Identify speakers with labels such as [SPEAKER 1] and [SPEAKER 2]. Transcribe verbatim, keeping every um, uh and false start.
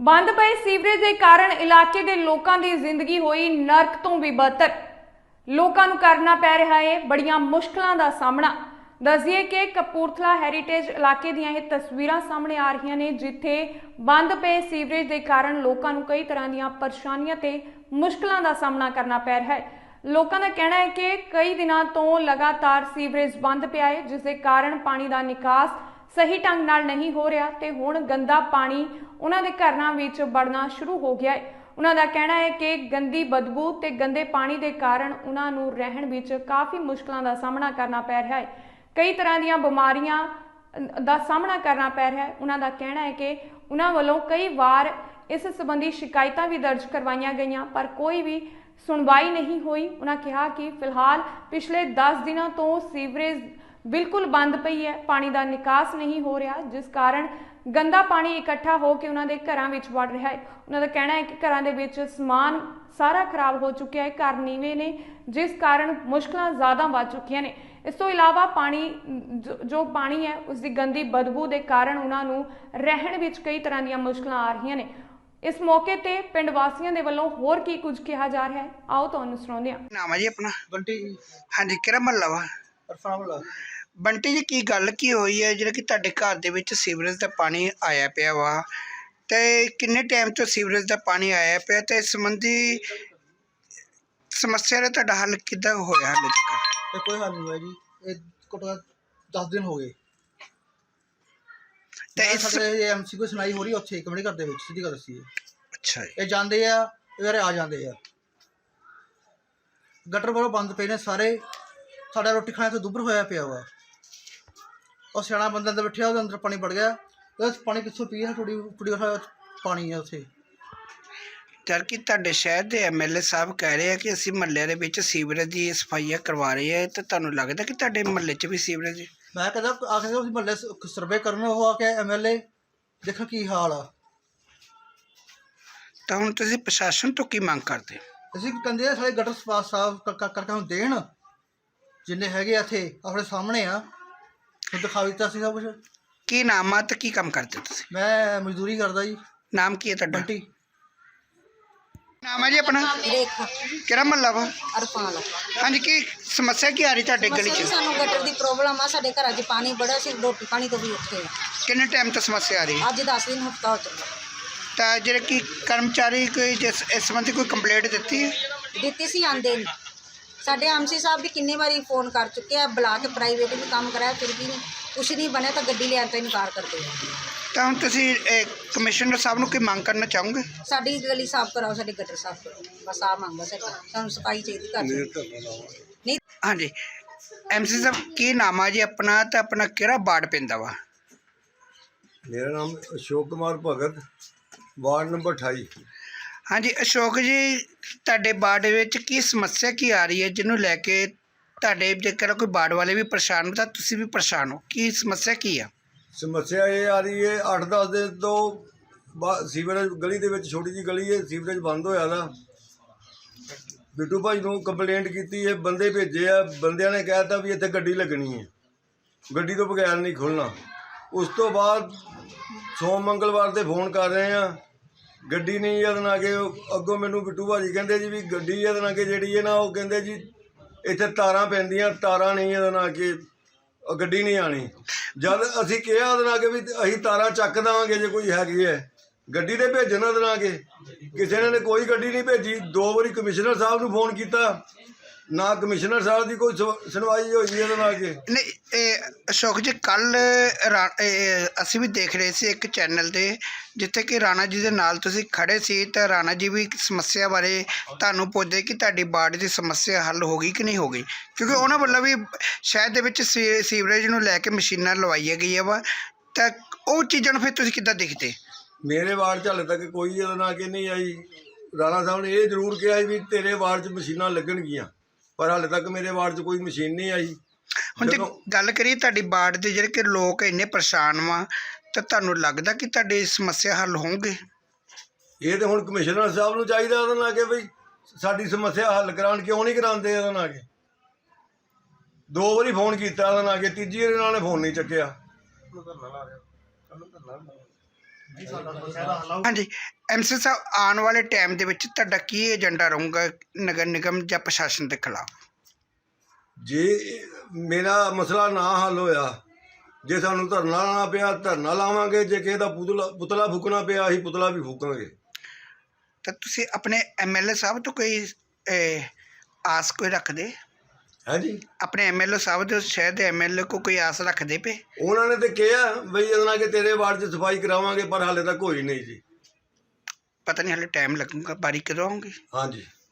[SPEAKER 1] ਬੰਦ ਪਏ ਸੀਵਰੇਜ ਦੇ ਕਾਰਨ ਇਲਾਕੇ ਦੇ ਲੋਕਾਂ ਦੀ ਜ਼ਿੰਦਗੀ ਹੋਈ ਨਰਕ ਤੋਂ ਵੀ ਬਦਤਰ। ਲੋਕਾਂ ਨੂੰ ਕਰਨਾ ਪੈ ਰਿਹਾ ਹੈ ਬੜੀਆਂ ਮੁਸ਼ਕਲਾਂ ਦਾ ਸਾਹਮਣਾ। ਦੱਸਿए कि कपूरथला हैरीटेज इलाके ਦੀਆਂ ਇਹ ਤਸਵੀਰਾਂ ਸਾਹਮਣੇ ਆ ਰਹੀਆਂ ਨੇ ਜਿੱਥੇ ਬੰਦ ਪਏ ਸੀਵਰੇਜ ਦੇ ਕਾਰਨ ਲੋਕਾਂ ਨੂੰ ਕਈ ਤਰ੍ਹਾਂ ਦੀਆਂ ਪਰੇਸ਼ਾਨੀਆਂ ਤੇ ਮੁਸ਼ਕਲਾਂ ਦਾ ਸਾਹਮਣਾ ਕਰਨਾ ਪੈ ਰਿਹਾ ਹੈ। ਲੋਕਾਂ ਦਾ ਕਹਿਣਾ ਹੈ ਕਿ ਕਈ ਦਿਨਾਂ ਤੋਂ ਲਗਾਤਾਰ ਸੀਵਰੇਜ ਬੰਦ ਪਿਆ ਹੈ ਜਿਸ ਦੇ ਕਾਰਨ ਪਾਣੀ ਦਾ ਨਿਕਾਸ ਸਹੀ ਢੰਗ ਨਾਲ ਨਹੀਂ ਹੋ ਰਿਹਾ ਤੇ ਹੁਣ ਗੰਦਾ ਪਾਣੀ ਉਹਨਾਂ ਦੇ ਘਰਾਂ ਵਿੱਚ ਵੜਨਾ ਸ਼ੁਰੂ ਹੋ ਗਿਆ ਹੈ। ਉਹਨਾਂ ਦਾ ਕਹਿਣਾ ਹੈ ਕਿ ਗੰਦੀ ਬਦਬੂ ਤੇ ਗੰਦੇ ਪਾਣੀ ਦੇ ਕਾਰਨ ਉਹਨਾਂ ਨੂੰ ਰਹਿਣ ਵਿੱਚ ਕਾਫੀ ਮੁਸ਼ਕਲਾਂ ਦਾ ਸਾਹਮਣਾ ਕਰਨਾ ਪੈ ਰਿਹਾ ਹੈ। कई तरह ਦੀਆਂ ਬਿਮਾਰੀਆਂ ਦਾ ਸਾਹਮਣਾ ਕਰਨਾ ਪੈ ਰਿਹਾ ਹੈ। ਉਹਨਾਂ ਦਾ ਕਹਿਣਾ ਹੈ ਕਿ ਉਹਨਾਂ ਵੱਲੋਂ ਕਈ ਵਾਰ ਇਸ ਸੰਬੰਧੀ ਸ਼ਿਕਾਇਤਾਂ ਵੀ ਦਰਜ ਕਰਵਾਈਆਂ ਗਈਆਂ ਪਰ ਕੋਈ ਵੀ ਸੁਣਵਾਈ ਨਹੀਂ ਹੋਈ। ਉਹਨਾਂ ਕਿਹਾ ਕਿ ਫਿਲਹਾਲ ਪਿਛਲੇ ਦਸ ਦਿਨਾਂ ਤੋਂ ਸੀਵਰੇਜ ਬਿਲਕੁਲ ਬੰਦ ਪਈ ਹੈ, ਪਾਣੀ ਦਾ ਨਿਕਾਸ ਨਹੀਂ ਹੋ ਰਿਹਾ ਜਿਸ ਕਾਰਨ ਗੰਦਾ ਪਾਣੀ ਇਕੱਠਾ ਹੋ ਕੇ ਉਹਨਾਂ ਦੇ ਘਰਾਂ ਵਿੱਚ ਵੜ ਰਿਹਾ ਹੈ। ਉਹਨਾਂ ਦਾ ਕਹਿਣਾ ਹੈ ਕਿ ਘਰਾਂ ਦੇ ਵਿੱਚ ਸਮਾਨ ਸਾਰਾ ਖਰਾਬ ਹੋ ਚੁੱਕਿਆ ਹੈ, ਘਰ ਨੀਵੇਂ ਨੇ ਜਿਸ ਕਾਰਨ ਮੁਸ਼ਕਲਾਂ ਜ਼ਿਆਦਾ ਵੱਧ ਚੁੱਕੀਆਂ ਨੇ। ਇਸ ਤੋਂ ਇਲਾਵਾ ਪਾਣੀ ਜੋ ਪਾਣੀ ਹੈ ਉਸ ਦੀ ਗੰਦੀ ਬਦਬੂ ਦੇ ਕਾਰਨ ਉਹਨਾਂ ਨੂੰ ਰਹਿਣ ਵਿੱਚ ਕਈ ਤਰ੍ਹਾਂ ਦੀਆਂ ਮੁਸ਼ਕਲਾਂ ਆ ਰਹੀਆਂ ਨੇ। ਇਸ ਮੌਕੇ ਤੇ ਪਿੰਡ ਵਾਸੀਆਂ ਦੇ ਵੱਲੋਂ ਹੋਰ ਕੀ ਕੁਝ ਕਿਹਾ ਜਾ ਰਿਹਾ ਹੈ ਆਓ ਤੁਹਾਨੂੰ ਸੁਣਾਉਂਦੇ ਹਾਂ।
[SPEAKER 2] ਨਾਮ ਹੈ ਜੀ ਆਪਣਾ?
[SPEAKER 3] ਬੰਟੀ।
[SPEAKER 2] ਹਾਂਜੀ, ਕਿਹੜਾ ਮਹੱਲਾ ਵਾ?
[SPEAKER 3] ਅਰਫਾਨ ਵਾਲਾ।
[SPEAKER 2] ਬੰਟੀ ਜੀ, ਕੀ ਗੱਲ ਕੀ ਹੋਈ ਹੈ ਜਿਹੜਾ ਕਿ ਤੁਹਾਡੇ ਘਰ ਦੇ ਵਿੱਚ ਸੀਵਰੇਜ ਦਾ ਪਾਣੀ ਆਇਆ ਪਿਆ ਵਾ ਤੇ ਕਿੰਨੇ ਟਾਈਮ ਤੋਂ ਸੀਵਰੇਜ ਦਾ ਪਾਣੀ ਆਇਆ ਪਿਆ ਤੇ ਇਸ ਸੰਬੰਧੀ ਸਮੱਸਿਆ ਦਾ ਤੁਹਾਡਾ ਹੱਲ ਕਿੱਦਾਂ ਹੋਇਆ ਹਾਲੇ ਤੱਕ?
[SPEAKER 3] ਇਹ ਕੋਈ ਹੱਲ ਨਹੀਂ ਹੋਇਆ ਜੀ। ਇਹ ਘੱਟੋ ਘੱਟ ਦਸ ਦਿਨ ਹੋ ਗਏ ਤੇ ਇਸ ਸਾਡੇ ਐਮਸੀ ਕੋਈ ਸੁਣਾਈ ਹੋ ਰਹੀ ਉੱਥੇ ਕਮੇਟੀ ਘਰ ਦੇ ਵਿੱਚ ਸਿੱਧੀ ਗੱਲ ਦੱਸੀ।
[SPEAKER 2] ਅੱਛਾ, ਇਹ
[SPEAKER 3] ਜਾਂਦੇ ਆ ਇਹ ਆ ਜਾਂਦੇ ਆ ਗਟਰ ਵੱਲੋਂ ਬੰਦ ਪਏ ਨੇ ਸਾਰੇ। ਸਾਡਾ ਰੋਟੀ ਖਾਣੇ ਤੋਂ ਦੁੱਬਰ ਹੋਇਆ ਪਿਆ ਵਾ। ਉਹ ਸਿਆਣਾ ਬੰਦਾ ਅੰਦਰ ਬੈਠਿਆ ਉਹਦੇ ਅੰਦਰ ਪਾਣੀ ਵੜ ਗਿਆ। ਉਸ ਪਾਣੀ ਕਿੱਥੋਂ ਪੀਏ? ਥੋੜੀ ਥੋੜੀ ਪਾਣੀ ਆ ਉੱਥੇ।
[SPEAKER 2] ਜਦ ਕਿ ਤੁਹਾਡੇ ਸ਼ਹਿਰ ਦੇ ਐਮ ਐਲ ਏ ਸਾਹਿਬ ਕਹਿ ਰਹੇ ਆ ਕਿ ਅਸੀਂ ਮਹੱਲਿਆਂ ਦੇ ਵਿੱਚ ਸੀਵਰੇਜ ਦੀ ਸਫਾਈਆਂ ਕਰਵਾ ਰਹੇ ਆ ਤੇ ਤੁਹਾਨੂੰ ਲੱਗਦਾ ਕਿ ਤੁਹਾਡੇ ਮਹੱਲੇ 'ਚ ਵੀ ਸੀਵਰੇਜ?
[SPEAKER 3] ਮੈਂ ਕਹਿੰਦਾ ਆ ਕੇ ਉਸ ਮਹੱਲੇ ਸਰਵੇ ਕਰਨ ਉਹ ਆ ਕੇ ਐਮ ਐਲ ਏ ਦੇਖੋ ਕੀ ਹਾਲ ਆ।
[SPEAKER 2] ਤਾਂ ਹੁਣ ਤੁਸੀਂ ਪ੍ਰਸ਼ਾਸਨ ਤੋਂ ਕੀ ਮੰਗ ਕਰਦੇ?
[SPEAKER 3] ਅਸੀਂ ਕਹਿੰਦੇ ਆ ਸਾਰੇ ਗਟਰ ਸਫਾਈ ਸਾਫ ਕਰਕੇ ਹੁਣ ਦੇਣ ਜਿੰਨੇ ਹੈਗੇ ਇੱਥੇ ਆਪਣੇ ਸਾਹਮਣੇ ਆ। ਦਿਖਾ ਦਿੱਤਾ ਸੀ ਸਭ ਕੁਛ।
[SPEAKER 2] ਕੀ ਨਾਮ ਆ ਤੇ ਕੀ ਕੰਮ ਕਰਦੇ ਤੁਸੀਂ?
[SPEAKER 3] ਮੈਂ ਮਜ਼ਦੂਰੀ ਕਰਦਾ ਜੀ।
[SPEAKER 2] ਨਾਮ ਕੀ ਹੈ ਤੁਹਾਡਾ?
[SPEAKER 3] ਬੰਟੀ।
[SPEAKER 2] ਨਾਮ ਹੈ ਜੀ ਆਪਣਾ?
[SPEAKER 4] ਰੇਖਾ।
[SPEAKER 2] ਕਿਹੜਾ ਮਹੱਲਾ ਵਾ?
[SPEAKER 4] ਅਰਫਾਨ।
[SPEAKER 2] ਹਾਂਜੀ, ਕੀ ਸਮੱਸਿਆ ਕੀ ਆ ਰਹੀ ਤੁਹਾਡੇ ਗਲੀ 'ਚ?
[SPEAKER 4] ਸਾਨੂੰ ਗਟਰ ਦੀ ਪ੍ਰੋਬਲਮ ਆ। ਸਾਡੇ ਘਰਾਂ 'ਚ ਪਾਣੀ ਬੜਾ ਸੀ, ਰੋਟੀ ਪਾਣੀ ਤੋਂ ਵੀ ਔਖੇ ਆ।
[SPEAKER 2] ਕਿੰਨੇ ਟਾਈਮ ਤੋਂ ਸਮੱਸਿਆ ਆ ਰਹੀ ਹੈ?
[SPEAKER 4] ਅੱਜ ਦਸ ਦਿਨ ਹਫਤਾ ਹੋ ਚੱਲਾ।
[SPEAKER 2] ਤਾਂ ਜਿਹੜੇ ਕਿ ਕਰਮਚਾਰੀ ਕੋਈ ਜਿਸ ਇਸ ਸੰਬੰਧੀ ਕੋਈ ਕੰਪਲੇਂਟ ਦਿੱਤੀ ਹੈ?
[SPEAKER 4] ਦਿੱਤੀ ਸੀ, ਆਂਦੇ ਨਹੀਂ। ਸਾਡੇ ਐਮਸੀ ਸਾਹਿਬ ਵੀ ਕਿੰਨੇ ਵਾਰੀ ਫੋਨ ਕਰ ਚੁੱਕੇ ਆ, ਬੁਲਾ ਕੇ ਪ੍ਰਾਈਵੇਟ ਵੀ ਕੰਮ ਕਰਾਇਆ ਫਿਰ ਵੀ ਨਹੀਂ ਕੁਛ ਨਹੀਂ ਬਣਿਆ ਤਾਂ ਗੱਡੀ ਲਿਆਉਣ ਤੋਂ ਇਨਕਾਰ ਕਰਦੇ ਆ।
[SPEAKER 2] ਤਾਂ ਹੁਣ ਤੁਸੀਂ ਕਮਿਸ਼ਨਰ ਸਾਹਿਬ ਨੂੰ ਕੀ ਮੰਗ ਕਰਨਾ ਚਾਹੋਗੇ?
[SPEAKER 4] ਸਾਡੀ ਗਲੀ ਸਾਫ਼ ਕਰਾਓ, ਸਾਡੇ ਗਟਰ ਸਾਫ਼ ਕਰੋ, ਬਸ ਆ ਮੰਗਦਾ ਸਾਡੀ। ਸਾਨੂੰ ਸਫਾਈ ਚਾਹੀਦੀ ਘਰ ਨਹੀਂ।
[SPEAKER 2] ਹਾਂਜੀ, ਐਮਸੀ ਸਾਹਿਬ ਕੀ ਨਾਮ ਆ ਜੀ ਆਪਣਾ ਤੇ ਆਪਣਾ ਕਿਹੜਾ ਵਾਰਡ ਪੈਂਦਾ ਵਾ?
[SPEAKER 5] ਮੇਰਾ ਨਾਮ ਅਸ਼ੋਕ ਕੁਮਾਰ ਭਗਤ, ਵਾਰਡ ਨੰਬਰ ਅਠਾਈ।
[SPEAKER 2] ਹਾਂਜੀ ਅਸ਼ੋਕ ਜੀ, ਤੁਹਾਡੇ ਵਾਰਡ ਵਿੱਚ ਕੀ ਸਮੱਸਿਆ ਕੀ ਆ ਰਹੀ ਹੈ ਜਿਹਨੂੰ ਲੈ ਕੇ ਤੁਹਾਡੇ ਜੇਕਰ ਕੋਈ ਵਾਰਡ ਵਾਲੇ ਵੀ ਪਰੇਸ਼ਾਨ ਹੋ ਤਾਂ ਤੁਸੀਂ ਵੀ ਪਰੇਸ਼ਾਨ ਹੋ? ਕੀ ਸਮੱਸਿਆ ਕੀ ਆ?
[SPEAKER 5] ਸਮੱਸਿਆ ਇਹ ਆ ਰਹੀ ਹੈ ਅੱਠ ਦਸ ਦਿਨ ਤੋਂ ਬਾ ਸੀਵਰੇਜ ਗਲੀ ਦੇ ਵਿੱਚ ਛੋਟੀ ਜਿਹੀ ਗਲੀ ਹੈ, ਸੀਵਰੇਜ ਬੰਦ ਹੋਇਆ ਦਾ। ਬਿੱਟੂ ਭਾਈ ਨੂੰ ਕੰਪਲੇਂਟ ਕੀਤੀ ਹੈ, ਬੰਦੇ ਭੇਜੇ ਆ। ਬੰਦਿਆਂ ਨੇ ਕਹਿ ਦਿੱਤਾ ਵੀ ਇੱਥੇ ਗੱਡੀ ਲੱਗਣੀ ਹੈ, ਗੱਡੀ ਤੋਂ ਬਗੈਰ ਨਹੀਂ ਖੁੱਲ੍ਹਣਾ। ਉਸ ਤੋਂ ਬਾਅਦ ਸੋਮ ਮੰਗਲਵਾਰ ਦੇ ਫੋਨ ਕਰ ਰਹੇ ਆ, ਗੱਡੀ ਨਹੀਂ ਇਹਦੇ ਨਾਲ ਕਿ ਅੱਗੋਂ ਮੈਨੂੰ ਬਿੱਟੂ ਭਾਜੀ ਕਹਿੰਦੇ ਜੀ ਵੀ ਗੱਡੀ ਇਹਦੇ ਨਾਲ ਕਿ ਜਿਹੜੀ ਹੈ ਨਾ ਉਹ ਕਹਿੰਦੇ ਜੀ ਇੱਥੇ ਤਾਰਾਂ ਪੈਂਦੀਆਂ, ਤਾਰਾਂ ਨਹੀਂ ਇਹਦੇ ਨਾਲ ਕਿ ਗੱਡੀ ਨਹੀਂ ਆਣੀ। ਜਦ ਅਸੀਂ ਕਿਹਾ ਉਹਦੇ ਨਾਲ ਕਿ ਵੀ ਅਸੀਂ ਤਾਰਾਂ ਚੱਕ ਦੇਵਾਂਗੇ ਜੇ ਕੋਈ ਹੈਗੀ ਹੈ ਗੱਡੀ ਤੇ ਭੇਜਣ ਉਹਦੇ ਨਾਲ ਕਿ ਕਿਸੇ ਨੇ ਕੋਈ ਗੱਡੀ ਨਹੀਂ ਭੇਜੀ। ਦੋ ਵਾਰੀ ਕਮਿਸ਼ਨਰ ਸਾਹਿਬ ਨੂੰ ਫੋਨ ਕੀਤਾ, ਨਾ ਕਮਿਸ਼ਨਰ ਸਾਹਿਬ ਦੀ ਕੋਈ ਸੁਣਵਾਈ ਹੋਈ ਇਹਦੇ ਨਾਲ ਕਿ
[SPEAKER 2] ਨਹੀਂ। ਇਹ ਅਸ਼ੋਕ ਜੀ, ਕੱਲ੍ਹ ਅਸੀਂ ਵੀ ਦੇਖ ਰਹੇ ਸੀ ਇੱਕ ਚੈਨਲ 'ਤੇ ਜਿੱਥੇ ਕਿ ਰਾਣਾ ਜੀ ਦੇ ਨਾਲ ਤੁਸੀਂ ਖੜ੍ਹੇ ਸੀ ਤਾਂ ਰਾਣਾ ਜੀ ਵੀ ਸਮੱਸਿਆ ਬਾਰੇ ਤੁਹਾਨੂੰ ਪੁੱਛਦੇ ਕਿ ਤੁਹਾਡੀ ਵਾਰਡ ਦੀ ਸਮੱਸਿਆ ਹੱਲ ਹੋ ਗਈ ਕਿ ਨਹੀਂ ਹੋ ਗਈ, ਕਿਉਂਕਿ ਉਹਨਾਂ ਵੱਲੋਂ ਵੀ ਸ਼ਹਿਰ ਦੇ ਵਿੱਚ ਸੀ ਸੀਵਰੇਜ ਨੂੰ ਲੈ ਕੇ ਮਸ਼ੀਨਾਂ ਲਵਾਈਆਂ ਗਈਆਂ ਵਾ। ਤਾਂ ਉਹ ਚੀਜ਼ਾਂ ਨੂੰ ਫਿਰ ਤੁਸੀਂ ਕਿੱਦਾਂ ਦੇਖਦੇ?
[SPEAKER 5] ਮੇਰੇ ਵਾਰਡ 'ਚ ਹਾਲੇ ਤੱਕ ਕੋਈ ਇਹਦੇ ਨਾਲ ਕਿ ਨਹੀਂ ਆਈ। ਰਾਣਾ ਸਾਹਿਬ ਨੇ ਇਹ ਜ਼ਰੂਰ ਕਿਹਾ ਵੀ ਤੇਰੇ ਵਾਰਡ 'ਚ ਮਸ਼ੀਨਾਂ ਲੱਗਣਗੀਆਂ, ਪਰ ਹਾਲੇ ਤੱਕ ਮੇਰੇ ਵਾਰਡ 'ਚ ਕੋਈ ਮਸ਼ੀਨ ਨਹੀਂ ਆਈ।
[SPEAKER 2] ਹੁਣ ਜੇ ਗੱਲ ਕਰੀਏ ਤੁਹਾਡੀ ਵਾਰਡ ਦੇ ਜਿਹੜੇ ਕਿ ਲੋਕ ਇੰਨੇ ਪਰੇਸ਼ਾਨ ਵਾ ਤਾਂ ਤੁਹਾਨੂੰ ਲੱਗਦਾ ਕਿ ਤੁਹਾਡੀ ਸਮੱਸਿਆ ਹੱਲ ਹੋਣਗੇ?
[SPEAKER 5] ਇਹ ਤਾਂ ਹੁਣ ਕਮਿਸ਼ਨਰ ਸਾਹਿਬ ਨੂੰ ਚਾਹੀਦਾ ਉਹਦੇ ਨਾਲ ਕਿ ਬਈ ਸਾਡੀ ਸਮੱਸਿਆ ਹੱਲ ਕਰਾਉਣ। ਕਿਉਂ ਨਹੀਂ ਕਰਾਉਂਦੇ ਇਹਦੇ ਨਾਲ ਕਿ? ਦੋ ਵਾਰੀ ਫੋਨ ਕੀਤਾ ਉਹਦੇ ਨਾਲ ਕਿ ਤੀਜੀ ਵਾਰ ਇਹਨਾਂ ਨੇ ਫੋਨ ਨਹੀਂ ਚੱਕਿਆ।
[SPEAKER 2] ਹਾਂਜੀ ਐਮਸੀ ਸਾਹਿਬ, ਆਉਣ ਵਾਲੇ ਟਾਈਮ ਦੇ ਵਿੱਚ ਤੁਹਾਡਾ ਕੀ ਏਜੰਡਾ ਰਹੂਗਾ ਨਗਰ ਨਿਗਮ ਜਾਂ ਪ੍ਰਸ਼ਾਸਨ ਦੇ ਖਿਲਾਫ?
[SPEAKER 5] ਜੇ ਮੇਰਾ ਮਸਲਾ ਨਾ ਹੱਲ ਹੋਇਆ, ਜੇ ਸਾਨੂੰ ਧਰਨਾ ਲਾਉਣਾ ਪਿਆ ਧਰਨਾ ਲਾਵਾਂਗੇ, ਜੇ ਕਿਸੇ ਦਾ ਪੁਤਲਾ ਪੁਤਲਾ ਫੂਕਣਾ ਪਿਆ ਅਸੀਂ ਪੁਤਲਾ ਵੀ ਫੂਕਾਂਗੇ।
[SPEAKER 2] ਤਾਂ ਤੁਸੀਂ ਆਪਣੇ ਐਮਐਲਏ ਸਾਹਿਬ ਤੋਂ ਕੋਈ ਅਹ, ਆਸ ਕੋਈ ਰੱਖਦੇ?
[SPEAKER 5] ਹੈ ਜੀ,
[SPEAKER 2] ਆਪਣੇ ਐਮਐਲਏ ਸਾਹਿਬ ਦੇ ਉਸ ਸ਼ਹਿਰ ਦੇ ਐਮਐਲਏ ਕੋ ਕੋਈ ਆਸ ਰੱਖਦੇ ਪਏ?
[SPEAKER 5] ਉਹਨਾਂ ਨੇ ਤੇ ਕਿਹਾ ਬਈ ਇਹਦੇ ਨਾਲ ਕਿ ਤੇਰੇ ਵਾਰਡ 'ਚ ਸਫਾਈ ਕਰਾਵਾਂਗੇ, ਪਰ ਹਾਲੇ ਤੱਕ ਹੋਈ ਨਹੀਂ ਜੀ।
[SPEAKER 2] ਪਤਾ ਨਹੀਂ ਹਾਲੇ ਟਾਈਮ ਲੱਗੂਗਾ, ਬਾਰੀ ਕਦੋਂ ਆਉਂਗੀ?
[SPEAKER 5] ਹਾਂਜੀ।